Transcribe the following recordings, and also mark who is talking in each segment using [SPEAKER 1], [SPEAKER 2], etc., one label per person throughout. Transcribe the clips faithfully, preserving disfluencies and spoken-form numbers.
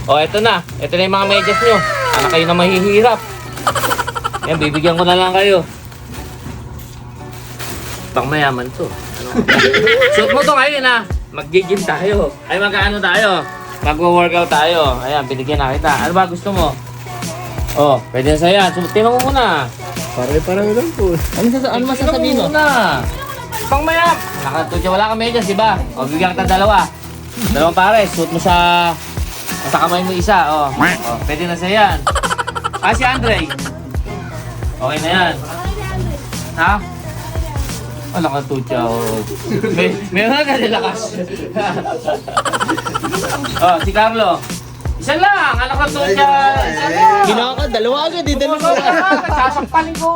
[SPEAKER 1] O, eto na. Eto na yung mga medyas nyo. Anak kayo na mahihirap. Yan, bibigyan ko na lang kayo. Pang mayaman to. Ano? Suot mo to ngayon ha. Mag-gym tayo. Ay, mag-ano tayo. Mag-workout tayo. Ayan, binigyan na kita. Ano ba gusto mo? Oh, pwede na sa'yo yan. Suotin mo muna.
[SPEAKER 2] Pare-pareho lang po.
[SPEAKER 3] Ano, sa, ano masasabihin mo?
[SPEAKER 1] Muna. Pang mayap. Nakatutya, wala kang medyas, di ba? O, bigyan kita dalawa. Dalawang pares. Suot mo sa... Sa kamay mo isa. Oh. Oh, pwede na sa'yo yan. Ah, si Andre. Okay na yan. Ha? Oh, nakatutya. Oh. May, meron ka nilakas. Oh, si Carlo. Isa lang, anak ng tutya. Isa lang.
[SPEAKER 3] Ginawa ka, dalawa agad eh, dalawa.
[SPEAKER 1] Sasampalin ko.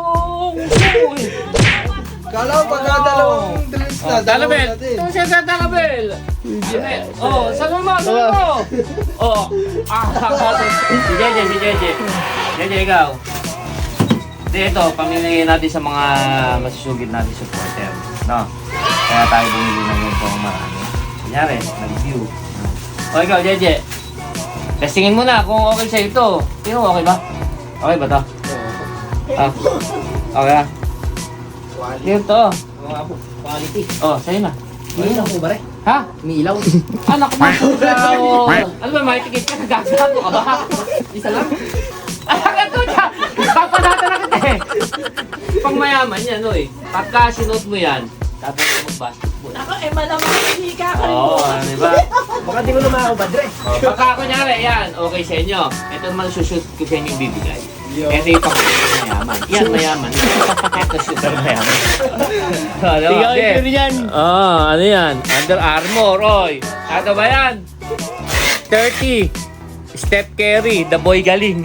[SPEAKER 2] Kala ko pagka dalawang drinks na,
[SPEAKER 1] Oh, Dalabel.
[SPEAKER 2] natin.
[SPEAKER 1] Ito siya sa Dalabel. Oh, saan mo? Saan mo? Oh, ah, si Jeje, si Jeje. Jeje, ikaw. Hindi, ito, pamili natin sa mga masusugid natin supporter. No? Kaya tayo bumili ng ganitong marami. Kunyari, na-review. O, ikaw, Jeje. Testingin mo na kung okay sa'yo ito. Tingnan mo, okay ba? Okay ba ito? Ah, okay ah. Dito.
[SPEAKER 3] Quality.
[SPEAKER 1] Oh, sa'yo na.
[SPEAKER 3] May ilaw po ba rin?
[SPEAKER 1] Ha?
[SPEAKER 3] May ilaw.
[SPEAKER 1] Anak mo, ilaw. Ano ba, may tikit ka? Nagagato ka ba?
[SPEAKER 3] Isa lang?
[SPEAKER 1] Anak ka to siya! Papadata na kita eh! Pang mayaman yan, oy. Pagka sinuot mo yan, tapos mo mag-basketball.
[SPEAKER 4] Ako, eh, malamang hindi ka ako.
[SPEAKER 1] Oo, oh, di ba?
[SPEAKER 3] Baka di mo naman ako badre.
[SPEAKER 1] Oh, pagka kunyari, yan, okay sa inyo. Ito naman sushoot ko sa inyo yung bibigay. Ito yung pang mayaman. Yan, mayaman. Ito super mayaman. Oh, diba?
[SPEAKER 3] Ikaw
[SPEAKER 1] Okay.
[SPEAKER 3] yung yan.
[SPEAKER 1] Oh, ano yan? Under Armour, oy. Ano ba yan? thirty. Steph Curry, the boy galing.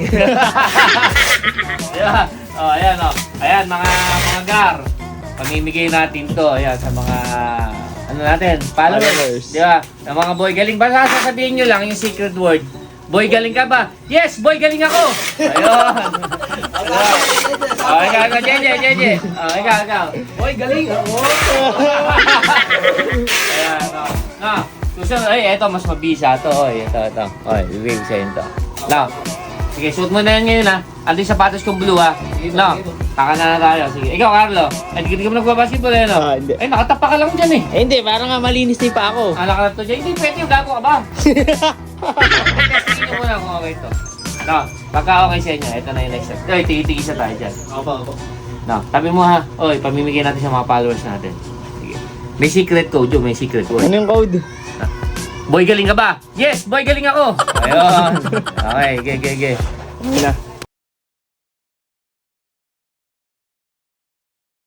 [SPEAKER 1] Diba? Oh, ayan, oh. Ayan, mga mga gar. Pamimigay natin to, ayan, sa mga, ano natin, followers.
[SPEAKER 2] Followers.
[SPEAKER 1] Diba? Sa mga boy galing. Basta sasabihin nyo lang yung secret word. Boy galing ka ba? Yes, boy galing ako! Ayun. Oh, ikaw, ikaw, Jeje, Jeje. Oh, ikaw, ikaw. Boy galing ako! Ayan, oh. No. Susunod, ay, eto, mas mabisa to. Oy, ito, ito. Oy, bibig sa'yo ito. No. Sige, suot mo na yan ngayon, ha. Ando yung sapatos kong blue, ha. No. Taka na na tayo. Sige. Ikaw, Carlo. Ay, di ka mo nagbabasketball, eh, no?
[SPEAKER 2] Ah, hindi.
[SPEAKER 1] Ay, nakatapa ka lang dyan, eh.
[SPEAKER 3] Eh hindi, parang nga malinis din pa ako.
[SPEAKER 1] Anak ka na to dyan. Hindi, pwede yung gago ka ba? Testingin nyo muna kung okay to. No. Pagka okay sa inyo, ito na yung next step. Oy, tigi-tigisa tayo dyan.
[SPEAKER 3] Opo, opo.
[SPEAKER 1] No. Tabi mo, ha. Oy, pamimigay natin sa mga followers natin. Sige. May secret code, yun. May secret word.
[SPEAKER 2] Ano yung code?
[SPEAKER 1] Boy, galing ka ba? Yes, boy, galing ako. Ayun. Okay, ge, ge, ge.
[SPEAKER 2] Ano na?